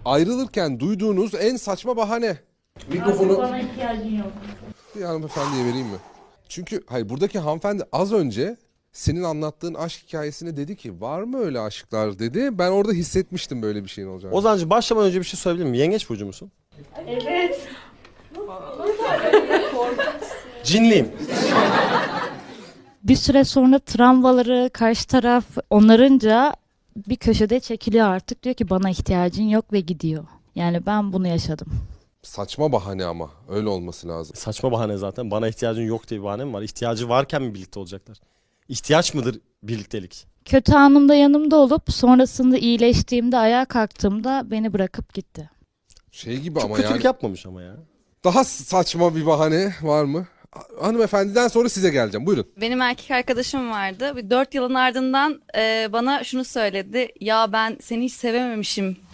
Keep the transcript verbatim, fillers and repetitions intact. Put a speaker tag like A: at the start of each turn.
A: Ayrılırken duyduğunuz en saçma bahane. Mikrofonu
B: Bana ihtiyacın yok.
A: bir hanımefendiye vereyim mi? Çünkü hayır, buradaki hanımefendi az önce senin anlattığın aşk hikayesine dedi ki var mı öyle aşklar dedi. Ben orada hissetmiştim böyle bir şeyin olacağını.
C: Ozancığım başlamadan önce bir şey söyleyebilir miyim? Yengeç burcu musun?
B: Evet.
C: Cinliyim.
B: Bir süre sonra travmaları karşı taraf onarınca bir köşede çekiliyor artık. Diyor ki bana ihtiyacın yok ve gidiyor. Yani ben bunu yaşadım.
A: Saçma bahane ama öyle olması lazım.
C: Saçma bahane zaten. Bana ihtiyacın yok diye bir bahane mi var? İhtiyacı varken mi birlikte olacaklar? İhtiyaç mıdır birliktelik?
B: Kötü anımda yanımda olup sonrasında iyileştiğimde ayağa kalktığımda beni bırakıp gitti.
A: Şey gibi
C: Çok
A: ama
C: kötülük
A: yani.
C: yapmamış ama ya.
A: Daha saçma bir bahane var mı? Hanımefendiden sonra size geleceğim. Buyurun.
D: Benim erkek arkadaşım vardı. Bir dört yılın ardından e, bana şunu söyledi. Ya ben seni hiç sevememişim